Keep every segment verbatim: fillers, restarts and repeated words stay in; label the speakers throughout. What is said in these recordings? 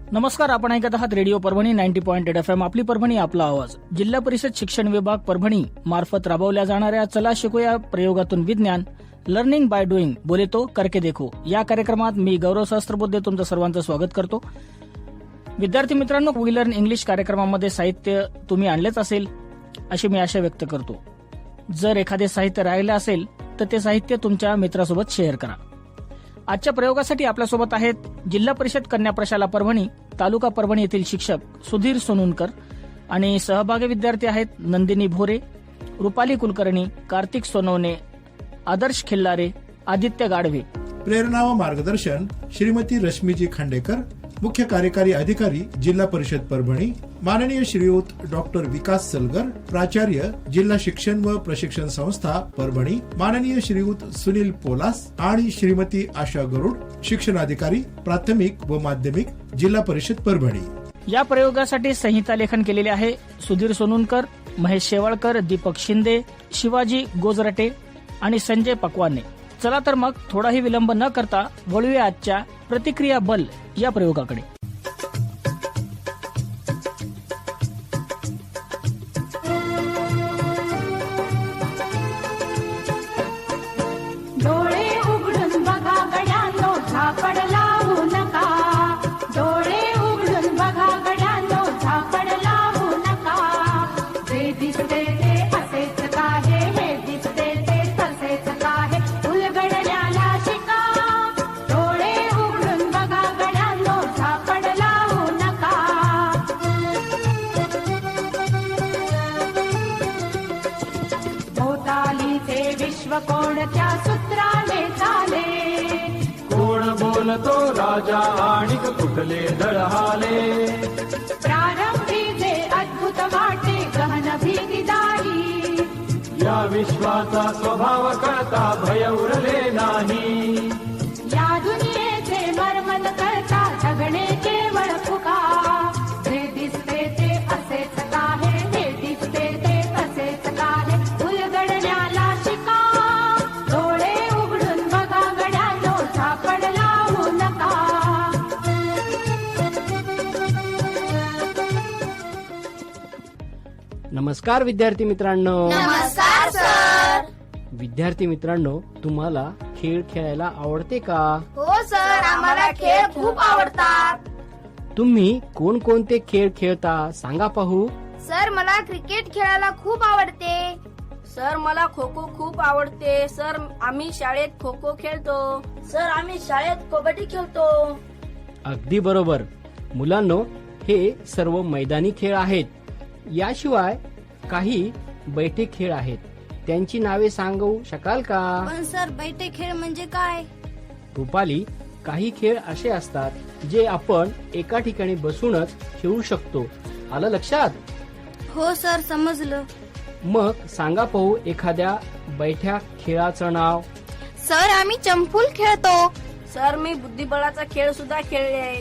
Speaker 1: नमस्कार, आपण ऐकत आहात radio Parbhani ninety point eight F M. आपली परभणी, आपला आवाज. जिल्हा परिषद शिक्षण विभाग परभणी मार्फत राबवल्या जाणाऱ्या चला शिकूया प्रयोगातून विज्ञान, लर्निंग बाय डुईंग, बोले तो करके देखो या कार्यक्रमात मी गौरव सहस्त्रबुद्धे तुमचं सर्वांचं स्वागत करतो. विद्यार्थी मित्रांनो, वी लर्न इंग्लिश कार्यक्रमामध्ये साहित्य तुम्ही आणलेच असेल अशी मी आशा व्यक्त करतो. जर एखादे साहित्य राहिले असेल तर ते साहित्य तुमच्या मित्रासोबत शेअर करा. आजच्या प्रयोगासाठी आपल्यासोबत आहेत जिल्हा परिषद कन्या प्रशाला परभणी, तालुका परभणी येथील शिक्षक सुधीर सोनुनकर आणि सहभागी विद्यार्थी आहेत नंदिनी भोरे, रुपाली कुलकर्णी, कार्तिक सोनवणे, आदर्श खिल्लारे, आदित्य गाढवे.
Speaker 2: प्रेरणा व मार्गदर्शन श्रीमती रश्मीजी खांडेकर, मुख्य कार्यकारी अधिकारी जिल्हा परिषद परभणी, माननीय श्रीयुत डॉक्टर विकास सलगर, प्राचार्य जिल्हा शिक्षण व प्रशिक्षण संस्था परभणी, माननीय श्रीयुत सुनील पोलास आणि श्रीमती आशा गरुड, शिक्षणाधिकारी प्राथमिक व माध्यमिक जिल्हा परिषद परभणी.
Speaker 1: या प्रयोगासाठी संहिता लेखन केलेले आहे सुधीर सोनुनकर, महेश शेवाळकर, दीपक शिंदे, शिवाजी गोजरटे आणि संजय पकवाने. चला तर मग थोडाही विलंब न करता वळूया आजच्या प्रतिक्रिया बल या प्रयोगाकडे.
Speaker 3: डोळे उघडून बघा गड्यांनो, झापड लावू नका. डोळे उघडून बघा गड्यांनो, झापड लावू नका. जे दिसते ते असेच काहे, हे दिसते ते तसेच काहे, उलगडण्याला शिका. डोळे उघडून बघा गड्यांनो, झापड लावू नका. भोवतालीचे विश्व कोणत्या सूत्राने चाले,
Speaker 4: कोण बोलतो राजा आणि कुठले दळहाले.
Speaker 3: प्रारंभी जे अद्भुत वाटे गहन भीतीदायी,
Speaker 4: या विश्वाचा स्वभाव कळता भय उरले नाही.
Speaker 3: या दुनियेचे मर्मन करता जगणे केवळ फुका. जे दिसते ते असेच काहे, हे दिसते ते तसेच काहे, उलगडण्याला शिका. डोळे उघडून बघा गड्यांनो, झापड लावू नका.
Speaker 5: नमस्कार विद्यार्थी मित्रांनो.
Speaker 6: नमस्कार सर.
Speaker 5: विद्यार्थी मित्रांनो, तुम्हाला खेळ खेळायला आवडते का?
Speaker 6: हो सर, आम्हाला खेळ खूप आवडतात.
Speaker 5: तुम्ही कोणकोणते खेळ खेळता सांगा पाहू.
Speaker 6: सर, मला क्रिकेट खेळायला खूप आवडते.
Speaker 7: सर, मला खो खो खूप आवडते. सर, आम्ही शाळेत खो खो खेळतो.
Speaker 8: सर, आम्ही शाळेत कबड्डी खेळतो.
Speaker 5: अगदी बरोबर मुलांनो, हे सर्व मैदानी खेळ आहेत. याशिवाय काही बैठे खेळ आहेत, त्यांची नावे सांगू शकाल का?
Speaker 6: पण सर, बैठे खेळ म्हणजे काय?
Speaker 5: रुपाली, काही खेळ असे असतात जे आपण एका ठिकाणी बसूनच खेळू शकतो. आलं लक्षात?
Speaker 6: हो सर, समजलं.
Speaker 5: मग सांगा पाहू एखाद्या बैठ्या खेळाचं नाव.
Speaker 6: सर, आम्ही चंपूल खेळतो.
Speaker 7: सर, मी बुद्धिबळाचा खेळ सुद्धा खेळले.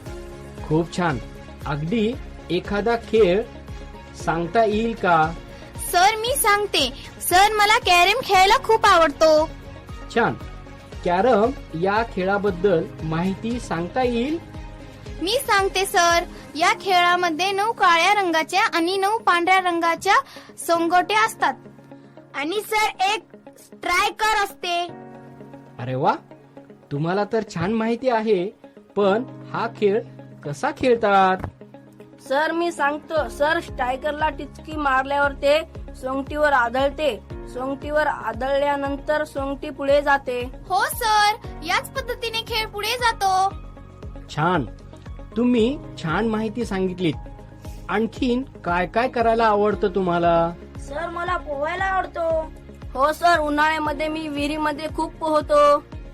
Speaker 5: खूप छान. अगदी एखादा खेळ सांगता येईल का?
Speaker 6: सर, मी सांगते. सर, मला कॅरम खेळायला खूप आवडतो.
Speaker 5: छान. कॅरम या खेळाबद्दल माहिती सांगता येईल?
Speaker 6: मी सांगते सर. या खेळामध्ये नऊ काळ्या रंगाच्या आणि नऊ पांढऱ्या रंगाच्या सोंगोट्या असतात. आणि सर, एक स्ट्रायकर असते.
Speaker 5: अरे वा, तुम्हाला तर छान माहिती आहे. पण हा खेळ कसा खेळतात?
Speaker 7: सर, मी सांगतो. सर, स्ट्रायकरला टिचकी मारल्यावर ते सोंगटीवर आदळते. सोंगटीवर आदळल्यानंतर सोंगटी पुढे जाते.
Speaker 6: हो सर, याच पद्धतीने खेळ पुढे जातो.
Speaker 5: छान. तुम्ही छान माहिती सांगितलीत. आणखीन काय काय करायला आवडतं तुम्हाला?
Speaker 8: सर, मला पोहायला आवडतो.
Speaker 7: हो सर, उन्हाळ्यामध्ये मी विहिरीमध्ये खूप पोहतो.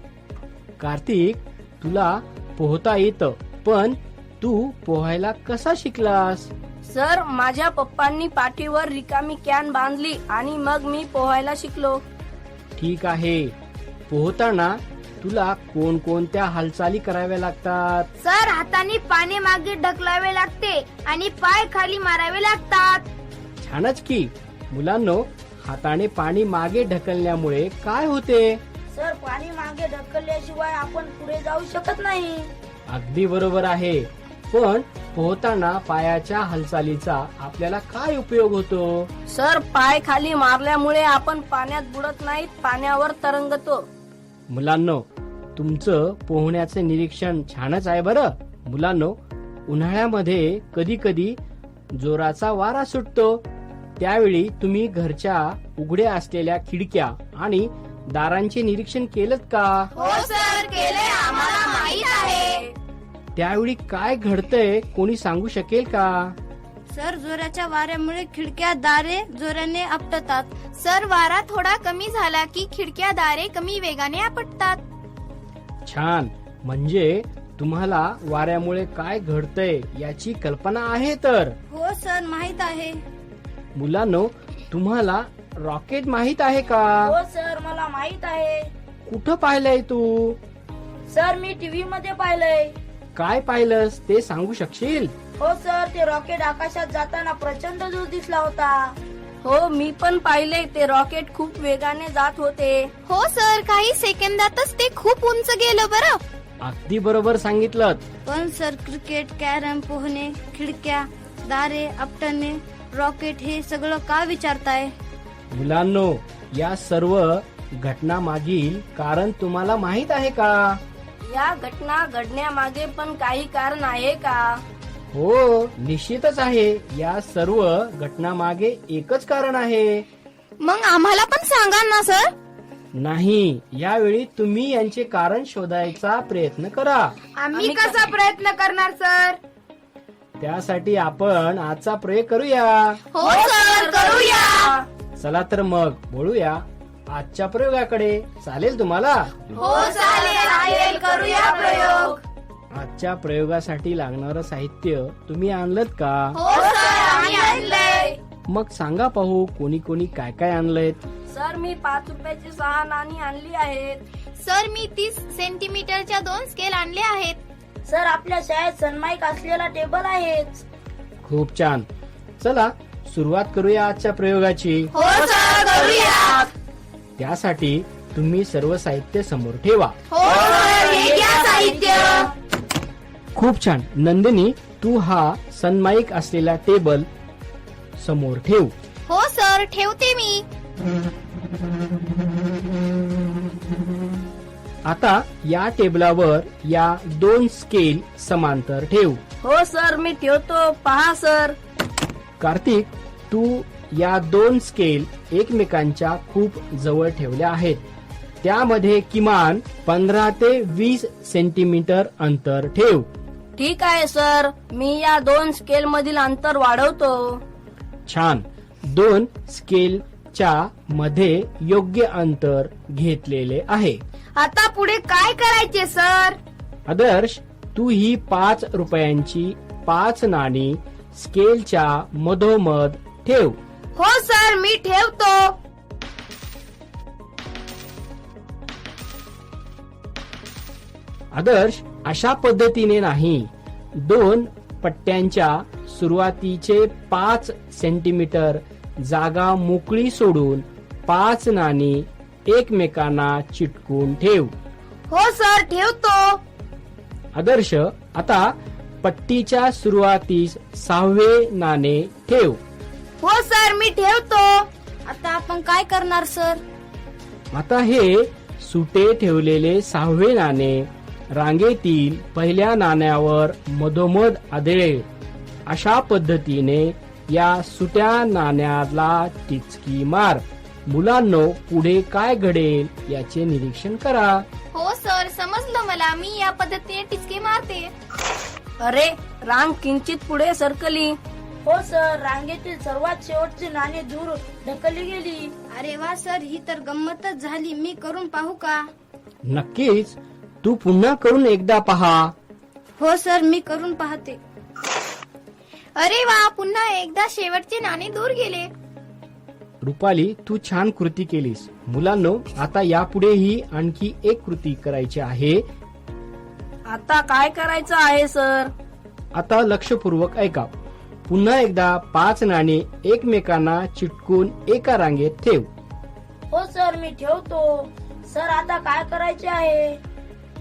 Speaker 5: कार्तिक, तुला पोहता येतं, पण तू पोहायला कसा शिकलास?
Speaker 7: सर, माझ्या पप्पांनी पाठीवर रिकामी कॅन बांधली आणि मग मी पोहायला शिकलो.
Speaker 5: ठीक आहे. पोहताना तुला कोणकोणत्या हालचाली कराव्या लागतात?
Speaker 6: सर, हाताने पाणी मागे ढकलावे लागते आणि पाय खाली मारावे लागतात.
Speaker 5: छानच की. मुलांनो, हाताने पाणी मागे ढकलण्यामुळे काय होते?
Speaker 8: सर, पाणी मागे ढकलल्याशिवाय आपण पुढे जाऊ शकत नाही.
Speaker 5: अगदी बरोबर आहे. पण पोहताना पायाच्या हालचालीचा आपल्याला काय उपयोग होतो?
Speaker 7: सर पाय खाली मारल्यामुळे आपण पाण्यात बुडत नाहीत, पाण्यावर तरंगतो.
Speaker 5: मुलांनो, तुमचं पोहण्याचं निरीक्षण छानच आहे बरं. मुलांनो, उन्हाळ्यामध्ये कधी कधी जोराचा वारा सुटतो. त्यावेळी तुम्ही घरच्या उघड्या असलेल्या खिडक्या आणि दारांचे निरीक्षण केलं का?
Speaker 6: हो सर, केले, आम्हाला माहित आहे.
Speaker 5: त्यावेळी काय घडतंय कोणी सांगू शकेल का?
Speaker 6: सर, जोराच्या वाऱ्यामुळे खिडक्या दारे जोराने आपटतात. सर, वारा थोडा कमी झाला की खिडक्या दारे कमी वेगाने आपटतात.
Speaker 5: छान, म्हणजे तुम्हाला वाऱ्यामुळे काय घडतंय याची कल्पना आहे तर.
Speaker 6: हो सर, माहित आहे.
Speaker 5: मुलांनो, तुम्हाला रॉकेट माहित आहे का?
Speaker 8: हो सर, मला माहित आहे.
Speaker 5: कुठं पाहिलंय तू?
Speaker 8: सर, मी टीव्ही मध्ये पाहिलंय.
Speaker 5: काय पाहिलंस ते सांगू शकशील?
Speaker 8: हो सर, ते रॉकेट आकाशात जाताना प्रचंड दूर दिसला होता.
Speaker 7: हो, मी पण पाहिले. ते रॉकेट खूप वेगाने जात होते.
Speaker 6: हो सर, काही सेकंदातच ते खूप उंच गेलं बरं.
Speaker 5: अगदी बरोबर सांगितलं.
Speaker 6: पण सर, क्रिकेट, कॅरम, पोहणे, खिडक्या, दारे आपटणे, रॉकेट हे सगळं का विचारताय?
Speaker 5: मुलांनो, या सर्व घटना मागील कारण तुम्हाला माहित आहे का?
Speaker 7: या घटना घडण्यामागे पण काही कारण आहे का?
Speaker 5: हो, निश्चितच आहे. या सर्व घटनामागे एकच कारण आहे.
Speaker 6: मग आम्हाला पण सांगा ना सर.
Speaker 5: नाही, यावेळी तुम्ही यांचे कारण शोधायचा प्रयत्न करा.
Speaker 6: आम्ही कसा प्रयत्न करणार सर?
Speaker 5: त्यासाठी आपण आजचा प्रयोग करूया.
Speaker 6: हो सर, करूया.
Speaker 5: चला तर मग बोलूया आजच्या प्रयोगाकडे. चालेल तुम्हाला?
Speaker 6: हो चालेल, करूया प्रयोग.
Speaker 5: आजच्या प्रयोगासाठी लागणारं साहित्य तुम्ही आणलं का?
Speaker 6: हो सर, आम्ही आणलंय.
Speaker 5: मग सांगा पाहू कोणी कोणी काय काय आणलंयत.
Speaker 7: सर, मी पाच रुपयाची सहा नाणी आणली आहेत.
Speaker 6: सर, मी तीस सेंटीमीटरच्या दोन स्केल आणले आहेत.
Speaker 8: सर, आपल्या शाळेत सन्माईक असलेला टेबल आहे.
Speaker 5: खूप छान. चला सुरुवात करूया आजच्या प्रयोगाची.
Speaker 6: हो सर, करूया.
Speaker 5: त्यासाठी तुम्ही सर्व साहित्य समोर ठेवा.
Speaker 6: हो सर, हे घ्या साहित्य.
Speaker 5: खूप छान. नंदिनी, तू हा सनमाईक असलेला टेबल समोर ठेव.
Speaker 6: हो सर, ठेवते मी.
Speaker 5: आता या टेबलावर या दोन स्केल समांतर ठेव.
Speaker 7: हो सर, मी ठेवतो. पहा सर.
Speaker 5: कार्तिक, तू या दोन स्केल एकमेकांच्या खूप जवळ ठेवल्या आहेत. त्यामध्ये किमान पंधरा ते वीस सेंटीमीटर अंतर ठेव.
Speaker 7: ठीक आहे सर, मी या दोन स्केल मधील अंतर वाढवतो.
Speaker 5: छान. दोन स्केलच्या मध्ये योग्य अंतर घेतलेले आहे.
Speaker 6: आता पुढे काय करायचे सर?
Speaker 5: आदर्श, तू ही पाच रुपयांची पाच नाणी स्केलच्या मधोमध ठेव.
Speaker 6: हो सर, मी ठेवतो.
Speaker 5: आदर्श, अशा पद्धतीने नाही. दोन पट्ट्यांच्या सुरुवातीचे पाच सेंटीमीटर जागा मोकळी सोडून पाच नाणी एकमेकांना चिटकून ठेव.
Speaker 6: हो सर, ठेवतो.
Speaker 5: आदर्श, आता पट्टीच्या सुरुवातीस सहावे नाणे ठेव.
Speaker 6: हो सर, मी ठेवतो. आता आपण काय करणार सर?
Speaker 5: आता हे सुटे ठेवलेले सहावे नाणे रांगेतील पहिल्या नाण्यावर मधोमध आदळेल. अशा पद्धतीने या सुट्या नाण्याला टिचकी मार. मुलांनो, पुढे काय घडेल याचे निरीक्षण करा.
Speaker 6: हो सर, समजलं मला. मी या पद्धतीने टिचकी मारते.
Speaker 7: अरे, रांग किंचित पुढे सरकली.
Speaker 8: हो सर, रांगेतील सर्वात शेवटची नाणी दूर ढकलली गेली.
Speaker 6: अरे वा सर, ही तर गंमतच झाली. मी करून पाहू का?
Speaker 5: नक्कीच. तू पुन्हा करून एकदा पहा.
Speaker 6: हो सर, मी करून पाहते. अरे वा, पुन्हा एकदा शेवटचे नाणे दूर गेले.
Speaker 5: रुपाली, तू छान कृती केलीस. मुलांनो, आता यापुढेही आणखी एक कृती करायची आहे.
Speaker 7: आता काय करायचं आहे सर?
Speaker 5: आता लक्षपूर्वक ऐका. पुन्हा एकदा पाच नाणी एकमेकांना चिटकून एका रांगेत ठेव.
Speaker 8: हो सर, मी ठेवतो. सर, आता काय करायचे आहे?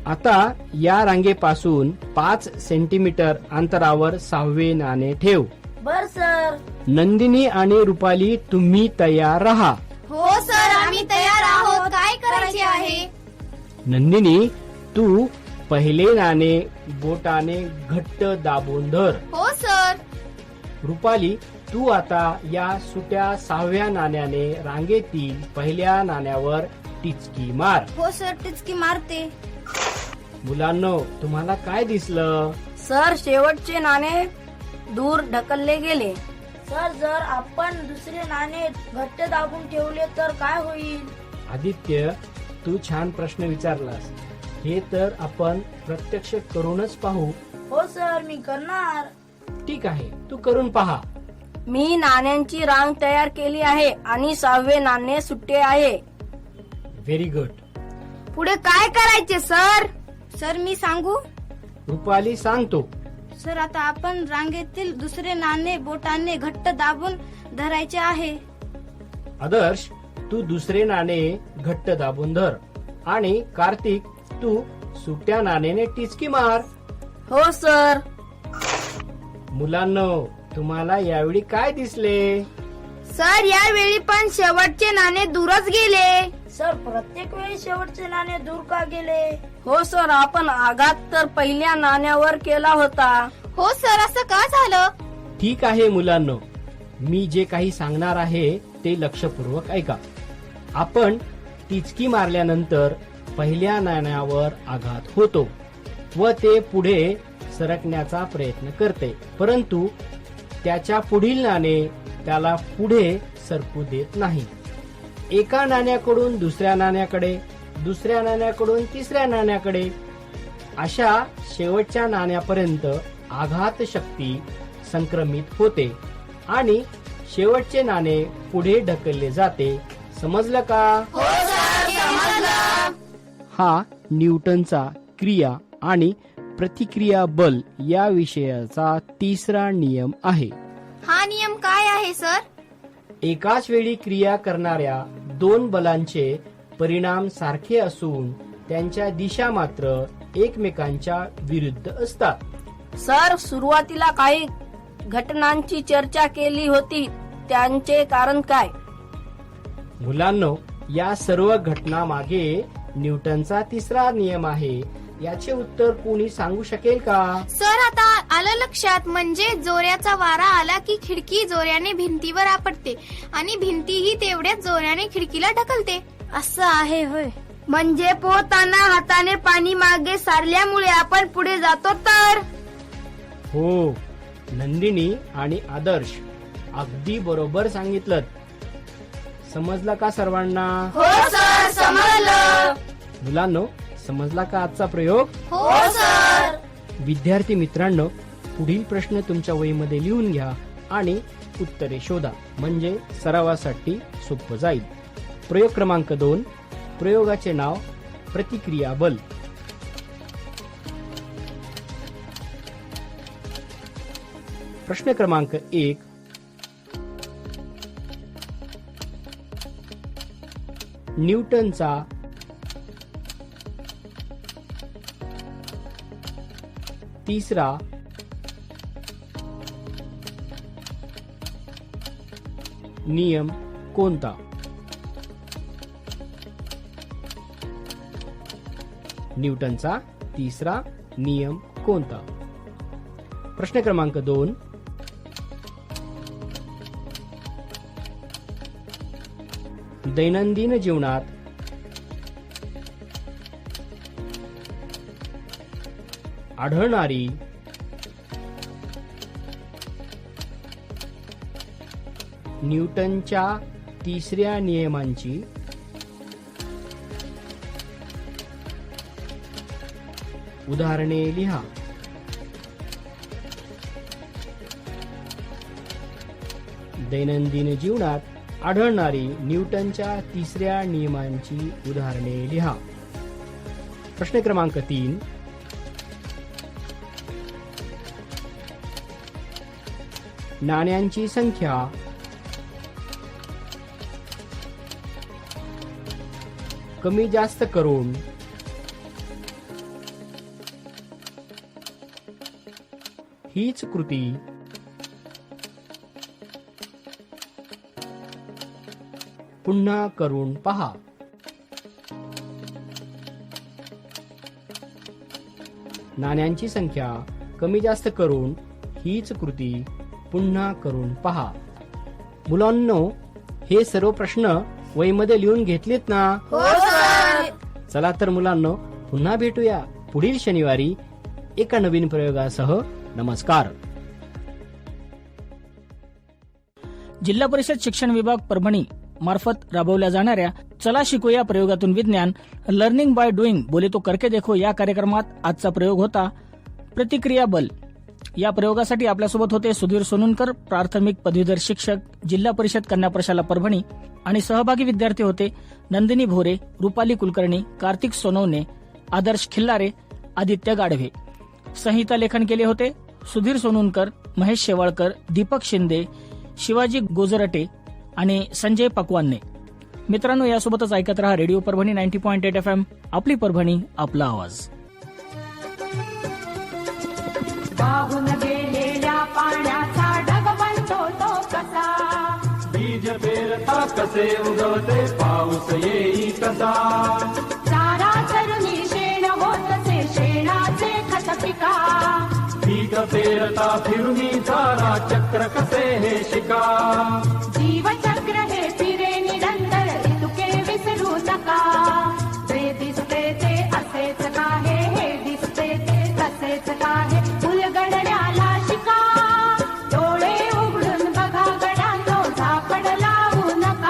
Speaker 5: आता या रांगेपासून पाच सेंटीमीटर अंतरावर सहावे नाणे ठेव.
Speaker 8: बर सर.
Speaker 5: नंदिनी आणि रुपाली तुम्ही तयार राहा.
Speaker 6: हो सर, आम्ही तयार आहोत. काय करायचे आहे?
Speaker 5: नंदिनी, तू पहिले नाणे बोटाने घट्ट दाबून धर.
Speaker 6: हो सर.
Speaker 5: रुपाली, तू आता या सुट्या सहाव्या नाण्याने रांगेतील पहिल्या नाण्यावर टिचकी मार.
Speaker 6: हो सर, टिचकी मारते.
Speaker 5: मुलांनो, तुम्हाला काय दिसलं?
Speaker 7: सर, शेवटचे नाणे दूर ढकलले गेले.
Speaker 8: सर, जर आपण दुसरे नाणे घट्ट दाबून ठेवले तर काय होईल?
Speaker 5: आदित्य, तू छान प्रश्न विचारलास. हे तर आपण प्रत्यक्ष करूनच पाहू.
Speaker 8: हो सर, मी करणार.
Speaker 5: ठीक आहे, तू करून पहा.
Speaker 7: मी नाण्यांची रांग तयार केली आहे आणि सहावे नाणे सुट्टे आहे.
Speaker 5: Very good.
Speaker 6: पुढे काय करायचे सर? सर, मी सांगू?
Speaker 5: रुपाली, सांगतो.
Speaker 6: सर, आता आपण रांगेतील दुसरे नाणे बोटाने घट्ट दाबून धरायचे आहे.
Speaker 5: आदर्श, तू दुसरे नाणे घट्ट दाबून धर. आणि कार्तिक, तू सुट्या नाण्याने टिचकी मार.
Speaker 7: हो सर.
Speaker 5: मुलांनो, तुम्हाला यावेळी काय दिसले?
Speaker 6: सर, यावेळी पण शेवटचे नाणे दूरच गेले.
Speaker 8: सर, प्रत्येक वेळी शेवटचे नाणे दूर का गेले?
Speaker 7: हो सर, आपण आघात तर पहिल्या नाण्यावर केला होता.
Speaker 6: हो सर, असं का झालं?
Speaker 5: ठीक आहे मुलांनो, मी जे काही सांगणार आहे ते लक्षपूर्वक ऐका. आपण टिचकी मारल्यानंतर पहिल्या नाण्यावर आघात होतो व ते पुढे सरकण्याचा प्रयत्न करते, परंतु त्याच्या पुढील नाणे त्याला पुढे सरकू देत नाही. एका नाण्याकडून दुसऱ्या नाण्याकडे, दुसऱ्या नाण्याकडून तिसऱ्या नाण्याकडे, अशा शेवटच्या नाण्यापर्यंत आघात शक्ती संक्रमित होते आणि शेवटचे नाणे पुढे ढकलले जाते. समजलं का?
Speaker 6: हो सर, समजलं.
Speaker 5: हा न्यूटनचा क्रिया आणि प्रतिक्रिया बल या विषयाचा तिसरा नियम आहे.
Speaker 6: हा नियम काय आहे सर?
Speaker 5: एकाच वेळी क्रिया करणाऱ्या दोन बलांचे परिणाम सारखे असून त्यांच्या दिशा मात्र एकमेकांच्या विरुद्ध असतात.
Speaker 7: सर, सुरुवातीला काही घटनांची चर्चा केली होती, त्यांचे कारण काय?
Speaker 5: मुलांनो, या सर्व घटना मागे न्यूटनचा तिसरा नियम आहे. याचे उत्तर कोणी सांगू शकेल का?
Speaker 6: सर, आता आलं लक्षात. म्हणजे जोऱ्याचा वारा आला की खिडकी जोऱ्याने भिंतीवर आपटते आणि भिंतीही तेवढ्याच जोऱ्याने खिडकीला ढकलते. असं आहे होय. म्हणजे पोहताना हाताने पाणी मागे सारल्यामुळे आपण पुढे जातो तर?
Speaker 5: हो, नंदिनी आणि आदर्श, अगदी बरोबर सांगितलं. समजलं का सर्वांना?
Speaker 6: हो सर, समजलं.
Speaker 5: मुलांनो, समजला का आजचा प्रयोग?
Speaker 6: हो सर.
Speaker 5: विद्यार्थी मित्रांनो, पुढील प्रश्न तुमच्या वहीमध्ये लिहून घ्या आणि उत्तरे शोधा, म्हणजे सरावासाठी सोपं जाईल. प्रयोग क्रमांक दोन, प्रयोगाचे नाव प्रतिक्रिया बल. प्रश्न क्रमांक एक, न्यूटनचा तिसरा नियम कोणता? न्यूटनचा तिसरा नियम कोणता? प्रश्न क्रमांक दोन, दैनंदिन जीवनात आढळणारी न्यूटनच्या तिसऱ्या नियमांची उदाहरणे लिहा. दैनंदिन जीवनात आढळणारी न्यूटनच्या तिसऱ्या नियमांची उदाहरणे लिहा. प्रश्न क्रमांक तीन, नाण्यांची संख्या कमी जास्त करून हीच कृती पुन्हा करून पहा. नाण्यांची संख्या कमी जास्त करून हीच कृती पुन्हा करून पहा. मुलांनो, हे सर्व प्रश्न वहीमध्ये लिहून घेतलेत ना?
Speaker 7: हो सर.
Speaker 5: चला तर मुलांनो, पुन्हा भेटूया पुढील शनिवारी एका नवीन प्रयोगासह. नमस्कार.
Speaker 1: जिल्हा परिषद शिक्षण विभाग परभणी मार्फत राबवल्या जाणाऱ्या चला शिकूया प्रयोगातून विज्ञान लर्निंग बाय डुईंग बोले तो करके देखो या कार्यक्रमात आजचा प्रयोग होता प्रतिक्रिया बल. या प्रयोगासाठी आपल्यासोबत होते सुधीर सोनुनकर, प्राथमिक पदवीधर शिक्षक, जिल्हा परिषद कन्या प्रशाला परभणी, आणि सहभागी विद्यार्थी होते नंदिनी भोरे, रुपाली कुलकर्णी, कार्तिक सोनवणे, आदर्श खिल्लारे, आदित्य गाढवे. संहिता लेखन केले होते सुधीर सोनुनकर, महेश शेवाळकर, दीपक शिंदे, शिवाजी गोजरटे आणि संजय पकवानने. मित्रांनो, यासोबतच ऐकत रहा radio Parbhani ninety point eight F M. आपली परभणी, आपला आवाज.
Speaker 3: वाहून गेलेल्या पाण्याचा ढग बनतो तो कसा,
Speaker 4: बीज पेरता कसे उगवते पाऊस येई कसा,
Speaker 3: चारा चरुणी शेण होतसे शेणाचे खत पिका,
Speaker 4: पीक पेरता फिरुनी चारा चक्र कसे हे शिका,
Speaker 3: जीवचक्र हे फिरे निरंतर ऋतुके विसरू नका, जे दिसते ते असेच काहे, हे दिसते ते तसेच काहे, उलगडण्याला शिका, डोळे उघडून बघा गड्यांनो, झापड लावू नका.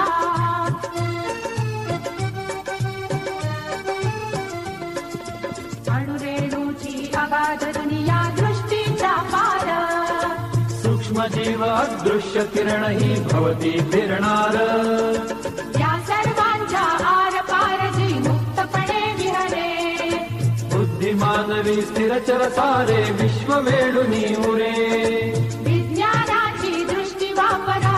Speaker 3: अणुरेणूची अगाध दुनिया दृष्टीचा पार,
Speaker 4: सूक्ष्म जीव अदृश्य किरण ही भवती फिरणार,
Speaker 3: या सर्वांच्या आर पार जी मुक्तपणे विहरे,
Speaker 4: बुद्धिमानवी स्थिरचर सारे विश्व वेडुनी उरे,
Speaker 3: विज्ञानाची दृष्टी वापरा,